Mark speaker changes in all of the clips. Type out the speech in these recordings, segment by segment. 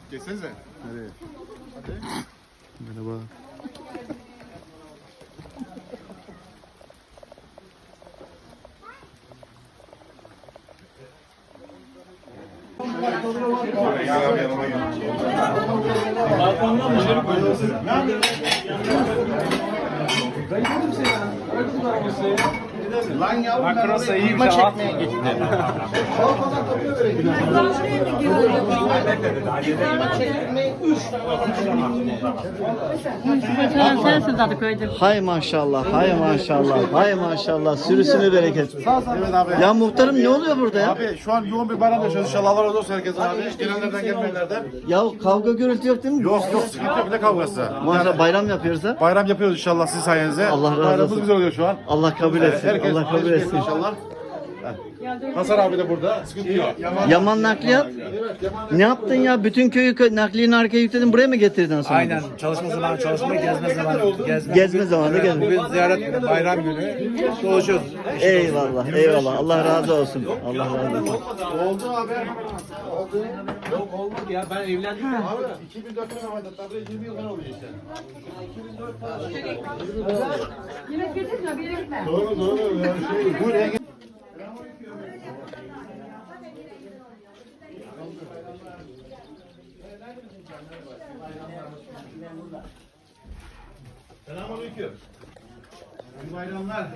Speaker 1: Geçsenize.
Speaker 2: Nereye?
Speaker 1: Hadi.
Speaker 2: Merhaba.
Speaker 3: Balkondan dışarı koyuyorsun.
Speaker 1: Lan yavrum.
Speaker 3: Makrosa iyiymiş. Çekmeye gitti.
Speaker 4: Sensin zaten köyde.
Speaker 5: Hay maşallah, hay maşallah, hay maşallah. Sürüsünü bereket.
Speaker 1: Evet abi.
Speaker 5: Ya muhtarım ne oluyor burada ya?
Speaker 1: Abi şu an yoğun bir bayram yaşıyoruz inşallah. Allah razı olsun herkese abi. Gelenlerden gelmeyenlerden.
Speaker 5: Ya kavga gürültü yok değil mi?
Speaker 1: Yok sıkıntı yok ne kavgası.
Speaker 5: Maşallah bayram yapıyoruz ha.
Speaker 1: Bayram yapıyoruz inşallah sizin sayenizde.
Speaker 5: Allah razı
Speaker 1: Bayramımız
Speaker 5: olsun.
Speaker 1: güzel oluyor şu an.
Speaker 5: Allah kabul etsin.
Speaker 1: Herkes
Speaker 5: Allah kabul etsin.
Speaker 1: inşallah. Hasan abi de burada. Sıkıntı yok.
Speaker 5: Yaman nakliyat. Ne yaptın ya? Bütün köyü nakliyeni arkaya yükledin. Buraya mı getirdin sonra?
Speaker 3: Aynen. Çalışma zamanı çalışma, gezme zamanı gezme.
Speaker 5: Gezme zamanı gezme.
Speaker 3: Bugün ziyaret günü, bayram günü. Dolaşıyoruz.
Speaker 5: Eyvallah, eyvallah. Allah razı olsun. Allah razı olsun.
Speaker 1: Oldu abi.
Speaker 3: Yok olmadı ya, ben evlendim.
Speaker 1: Abi 2004'te Mehmet abi 20 yıl ben oluyor işte.
Speaker 4: Yemek getirdin mi? Bir yere gitme.
Speaker 1: Doğru. Yani buraya gel. Selamünaleyküm. İyi bayramlar.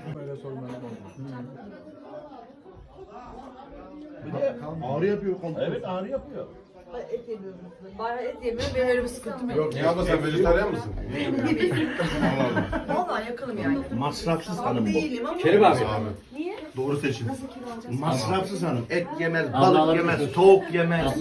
Speaker 1: Bir de ağrı yapıyor komple. Evet ağrı yapıyor.
Speaker 6: Et yemiyorum. Bayağı et yemiyorum. Benim öyle bir sıkıntım yok.
Speaker 1: Yok niye abla sen vejetaryen misin?
Speaker 6: Vallahi yakınım yani.
Speaker 2: Masrafsız hanım bu.
Speaker 6: Değilim ama.
Speaker 3: Kerim abi.
Speaker 6: Niye?
Speaker 2: Doğru seçim.
Speaker 6: Nasıl kilo alacağız?
Speaker 2: Masrafsız hanım. Et yemez, balık yemez, tavuk yemez.